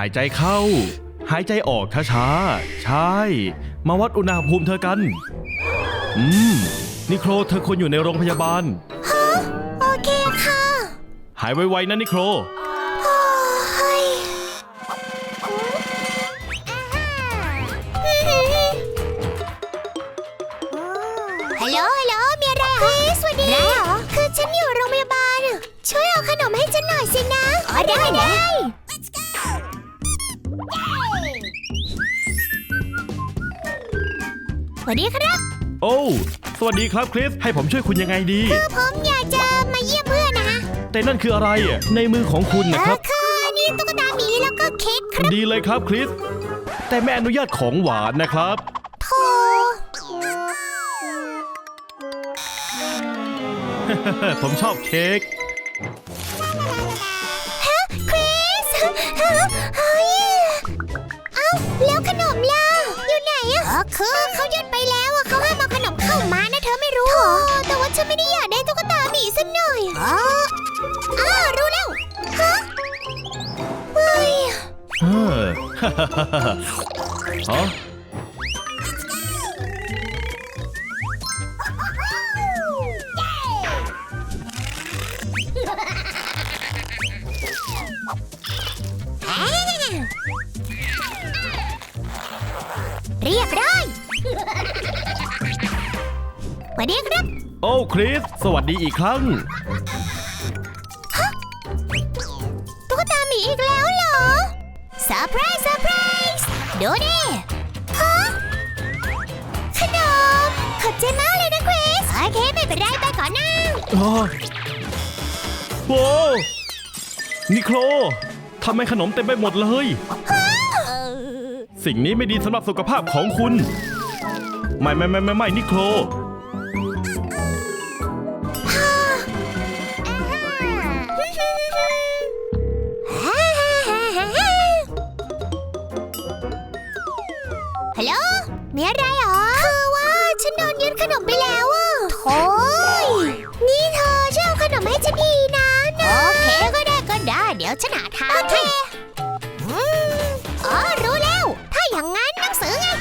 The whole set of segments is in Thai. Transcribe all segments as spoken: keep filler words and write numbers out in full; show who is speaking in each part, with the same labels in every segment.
Speaker 1: ายใจเข้าหายใจออกช้าๆใช่มาวัดอุณหภูมิเธอกันอืมนิโคลเธอควรอยู่ในโรงพยาบาล
Speaker 2: ฮะโอเคค่ะ
Speaker 1: หายไวๆนะนิโคล
Speaker 2: ฮัลโหลฮัลโหลมีอะไรเหรอสวัสดีอะไรเหรอคือฉันอยู่โรงพยาบาลช่วยเอาขนมให้ฉันหน่อยสินะอ๋อได้ได้สวัสดีครับ
Speaker 1: โอ้สวัสดีครับคริสให้ผมช่วยคุณยังไงดี
Speaker 2: คือผมอยากจะมาเยี่ยมเพื่อนนะฮะ
Speaker 1: แต่นั่นคืออะไรอ่ะในมือของคุณนะครับ
Speaker 2: คือนี่ตุ๊กตาหมีแล้วก็เค้กครับ
Speaker 1: ดีเลยครับคริสแต่ไม่อนุญาตของหวานนะครับ
Speaker 2: โธ่
Speaker 1: ผมชอบเค้ก
Speaker 2: ฮะคริสฮะเฮ้ยเอ้าแล้วขนมล่ะอยู่ไหนอะอ๋อคือเขายึดไปแล้วอะเขาห้ามเอาขนมเข้ามานะเธอไม่รู้โธ่แต่ว่าฉันไม่ได้อยากได้ตุ๊กตาหมีสักหน่อยอ๋ออ้ารู้แล้วฮะเฮ้ย
Speaker 1: เออฮะ
Speaker 2: เรียบร้อยสวัสดีครับ
Speaker 1: โอ้คริสสวัสดีอีกครั้ง
Speaker 2: ฮะตุ๊กตาหมีอีกแล้วเหรอเซอร์ไพรส์เซอร์ไพรส์ดูดิฮะขนมขอบใจมากเลยนะคริสโอเคไม่เป็นไรไปก่อนนะ
Speaker 1: โว้นิโคลทำไมขนมเต็มไปหมดเลยสิ่งนี้ไม่ดีสำหรับสุขภาพของคุณไม่ไม่ไม่ไม่ไม่นิโคล
Speaker 2: ฮัลโหลมีอะไรหรอคือว่าฉันโดนยึดขนมไปแล้วอ่ะโถ่นี่เธอช่วยเอาขนมให้ฉันทีนะนะโอเคก็ได้ก็ได้เดี๋ยวฉันหาทางให้อ๋อรู้แล้วถ้าอย่างงั้นหนังสือไง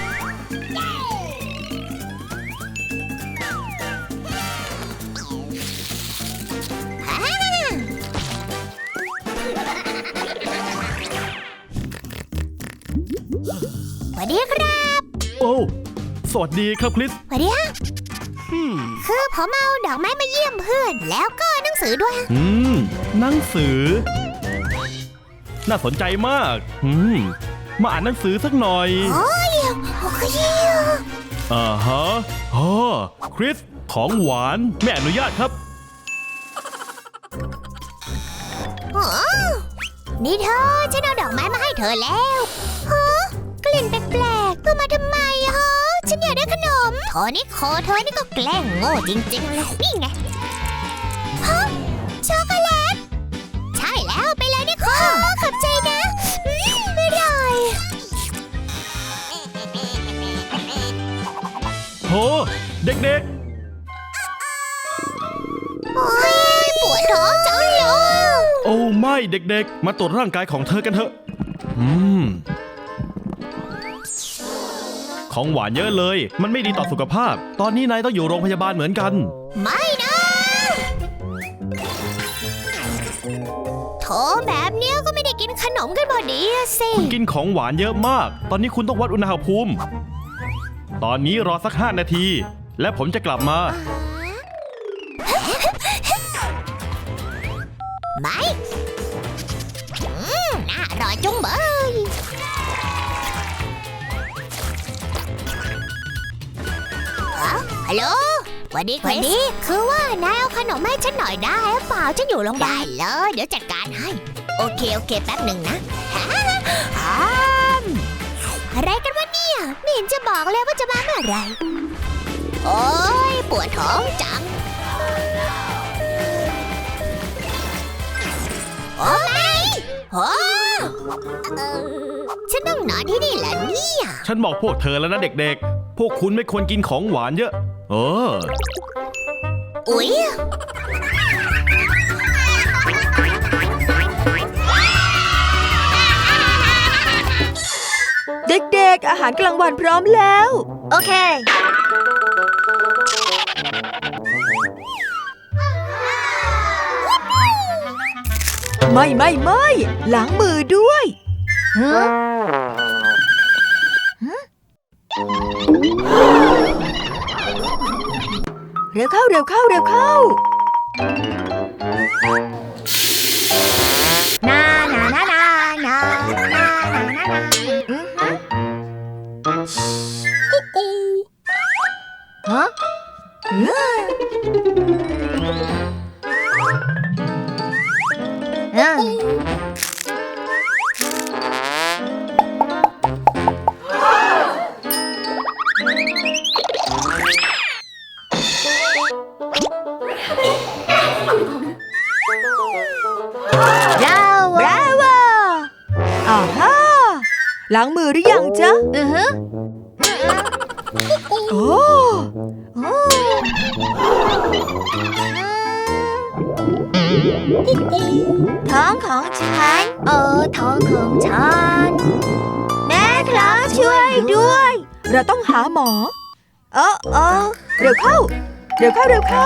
Speaker 2: สวัสดีครับ
Speaker 1: โอ้สวัสดีครับคริส
Speaker 2: สวัสดีฮะคือผมเอาดอกไม้มาเยี่ยมเพื่อนแล้วก็หนังสือด้วย
Speaker 1: อืมหนังสือน่าสนใจมากอืมมาอ่านหนังสือสักหน่อย
Speaker 2: โอ้ยโอ้ย
Speaker 1: อ่าฮะอ๋อคริสของหวานไม่อนุญาตครับ
Speaker 2: อ๋อนี่เธอฉันเอาดอกไม้มาให้เธอแล้วฮะกลิ่นแปลกๆเธอมาทำไมฮะฉันอยากได้ขนมโทนี่โคเธอนี่ก็แกล้งโง่จริงๆเลยนี่ไงฮะช็อกโกแลตใช่แล้วไปเลยนี่โคขอบใจนะไม่ได้
Speaker 1: โหเด็ก
Speaker 2: ๆโอ้ยปวดท้องจังเลย
Speaker 1: โอ้ไม่เด็กๆมาตรวจร่างกายของเธอกันเถอะอืมของหวานเยอะเลยมันไม่ดีต่อสุขภาพตอนนี้นายต้องอยู่โรงพยาบาลเหมือนกัน
Speaker 2: ไม่นะโถแบบเนี้ยก็ไม่ได้กินขนมกันพอดีสิ
Speaker 1: คุณกินของหวานเยอะมากตอนนี้คุณต้องวัดอุณหภูมิตอนนี้รอสักห้านาทีและผมจะกลับมา
Speaker 2: ไม่น่าอร่อยจุ้งเบยฮัลโหลสวัสดีคริสวันนี้คือว่านายเอาขนมให้ฉันหน่อยได้หรือเปล่าฉันอยู่โรงพยาบาลได้เลยเดี๋ยวจัดการให้โอเคโอเคแป๊บหนึ่งนะอะไรกันวะเนี่ยไม่เห็นจะบอกเลยว่าจะมาเมื่อไหร่โอ๊ยปวดท้องจังโอ้ไม่โอ้ฉันต้องนอนที่นี่แหละเนี่ย
Speaker 1: ฉันบอกพวกเธอแล้วนะเด็กๆพวกคุณไม่ควรกินของหวานเยอะเออ
Speaker 2: อุ๊ย
Speaker 3: ด็กๆอาหารกลางวันพร้อมแล้ว
Speaker 2: โอเค
Speaker 3: ไม่ไม่ไม่ล้างมือด้วย
Speaker 2: ฮะ
Speaker 3: เร็วเข้าเร็วเข้าเร็วเข้า
Speaker 2: นานานานานานานานานา
Speaker 3: อือฮึ
Speaker 2: ฮะ
Speaker 3: อืม
Speaker 2: เออเรา
Speaker 3: บราโวอ่าฮ่าล้างมือหรือยังจ๊ะ
Speaker 2: อือฮึ
Speaker 3: โอ้
Speaker 2: โอ้ท้องของฉันเออท้องของฉันแม่ครับช่วยด้วย
Speaker 3: เราต้องหาหมอ เออเออเร็วเข้า เร็วเข้าเร็วเข้า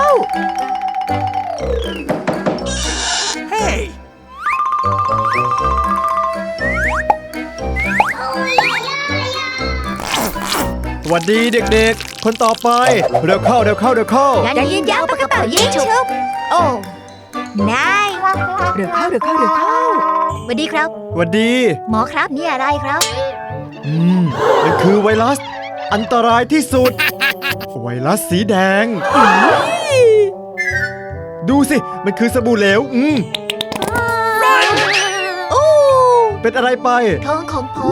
Speaker 4: สวัสดีเด็กๆ คนต่อไป เร็วเข้าเร็วเข้าเร็วเข้า
Speaker 2: ยันยิงยาวปากกระเป๋ายิงชุบโอ้นาย
Speaker 3: เร็วเข้าเร็วเข้าเร็วเข้า
Speaker 2: สวัสดีครับ
Speaker 4: สวัสดี
Speaker 2: หมอครับนี่อะไรครับ
Speaker 4: อืมมันคือไวรัส อันตรายที่สุด ไวรัสสีแดง ดูสิ มันคือสบู่เหลว อืม
Speaker 2: โอ้
Speaker 4: เป็นอะไรไป
Speaker 2: ท้องของผม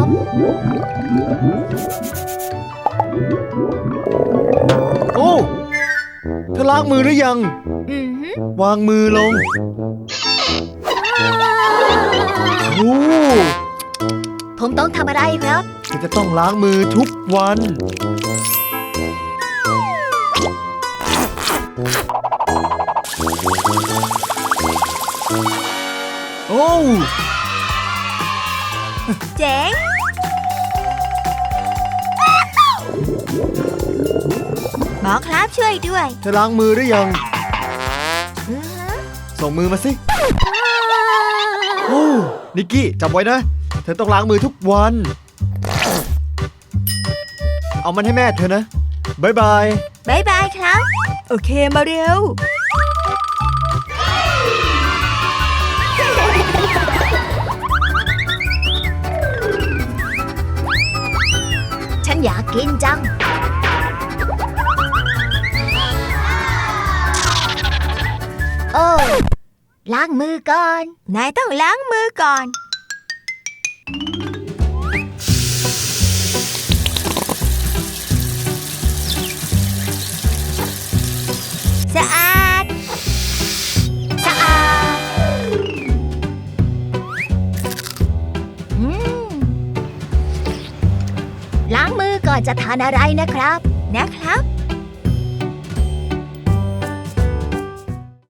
Speaker 4: โอ้เธอล้างมือหรือยัง
Speaker 2: อือฮึ
Speaker 4: วางมือลง โอ้
Speaker 2: ผมต้องทำอะไรครับ
Speaker 4: เธอจะต้องล้างมือทุกวัน โอ้
Speaker 3: เจ๋งหมอครับช่วยด้วย
Speaker 4: เธอล้างมือหรือยัง
Speaker 3: อือฮึ
Speaker 4: ส่งมือมาสิ โอ้นิกกี้จำไว้นะ เธอต้องล้างมือทุกวัน เอามันให้แม่เธอนะบายบาย
Speaker 3: บายบายครับ โอเคมาเร็ว
Speaker 2: ฉันอยากกินจัง โอ้ล้างมือก่อน
Speaker 3: นายต้องล้างมือก่อน สะอาด
Speaker 2: สะอาดอืมล้างมือก่อนจะทานอะไรนะครับ
Speaker 3: นะครับ